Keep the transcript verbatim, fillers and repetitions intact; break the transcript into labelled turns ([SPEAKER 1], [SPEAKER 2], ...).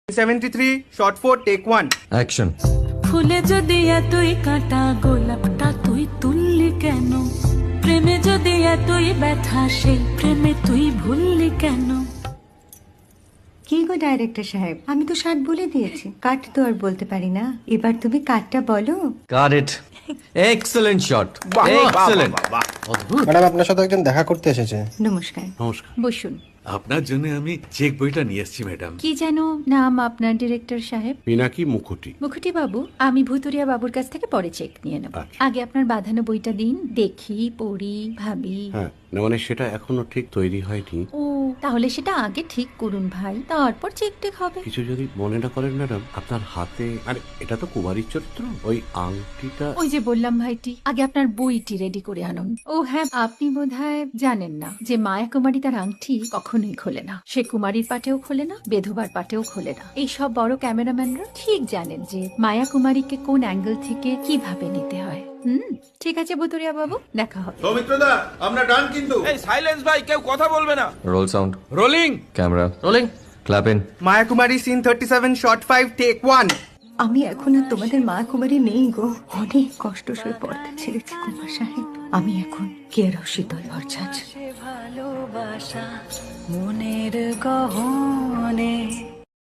[SPEAKER 1] seventy-three, shot four, take one.
[SPEAKER 2] Action.
[SPEAKER 3] ফুলে যদি এতই কাঁটা গোলাপটা তুই তুললি কেন? প্রেমে যদি এতই ব্যথা সেই প্রেমে তুই ভুললি কেন?
[SPEAKER 4] কি গো ডাইরেক্টর সাহেব, আমি তো ষাট বলে দিয়েছি, কাট তো আর বলতে পারি না। এবার তুমি কাটটা বলো।
[SPEAKER 2] Got it. Excellent shot, excellent.
[SPEAKER 5] Madam, আপনার সাথে একজন দেখা করতে এসেছে।
[SPEAKER 4] নমস্কার,
[SPEAKER 6] নমস্কার।
[SPEAKER 4] বসুন।
[SPEAKER 6] আপনার জন্য আমি চেক বইটা নিয়ে এসেছি ম্যাডাম।
[SPEAKER 4] কি যেন নাম আপনার ডিরেক্টর সাহেব?
[SPEAKER 6] পিনাকি মুখোটি।
[SPEAKER 4] মুখুটি বাবু, আমি ভুতুরিয়া বাবুর কাছ থেকে পরে চেক নিয়ে নেব।
[SPEAKER 6] আচ্ছা।
[SPEAKER 4] আগে আপনার বাঁধানো বইটা দিন, দেখি, পড়ি, ভাবি।
[SPEAKER 6] হ্যাঁ, না মানে সেটা এখনো ঠিক তৈরি হয়নি।
[SPEAKER 4] ও, তাহলে সেটা আগে ঠিক করুন ভাই, তারপর চেক টেক হবে।
[SPEAKER 6] কিছু যদি মনে না করেন ম্যাডাম, আপনার হাতে, আরে এটা তো কুমারীর চরিত্র, ওই আংটিটা।
[SPEAKER 4] ওই যে বললাম ভাইটি, আগে আপনার বইটি রেডি করে আনুন। ও হ্যাঁ, আপনি বোধহয় জানেন না যে মায়া কুমারী তার আংটি কখনোই খোলে না। সে কুমারীর পাটেও খোলে না, বেধবার পাটেও খোলে না। এই সব বড় ক্যামেরাম্যানরা ঠিক জানেন যে মায়া কুমারীকে কোন অ্যাঙ্গেল থেকে কিভাবে নিতে হয়। হুম, ঠিক আছে ভুতুরিয়া বাবু, দেখা হবে।
[SPEAKER 7] সৌমিত্রদা, আমরা ডান কিন্তু।
[SPEAKER 8] এই সাইলেন্স ভাই, কেউ কথা বলবে না।
[SPEAKER 2] Roll sound,
[SPEAKER 8] rolling.
[SPEAKER 2] Camera rolling, clap in.
[SPEAKER 1] Maya Kumari, scene thirty-seven, shot five, take one.
[SPEAKER 4] আমি এখন আর তোমাদের মা কুমারী নেই গো, অনেক কষ্ট সয়ে পড়তে ছেড়েছি কুমার সাহেব। আমি এখন কেরও শীতল ভরছাছ।
[SPEAKER 3] ভালোবাসা মনের গহনে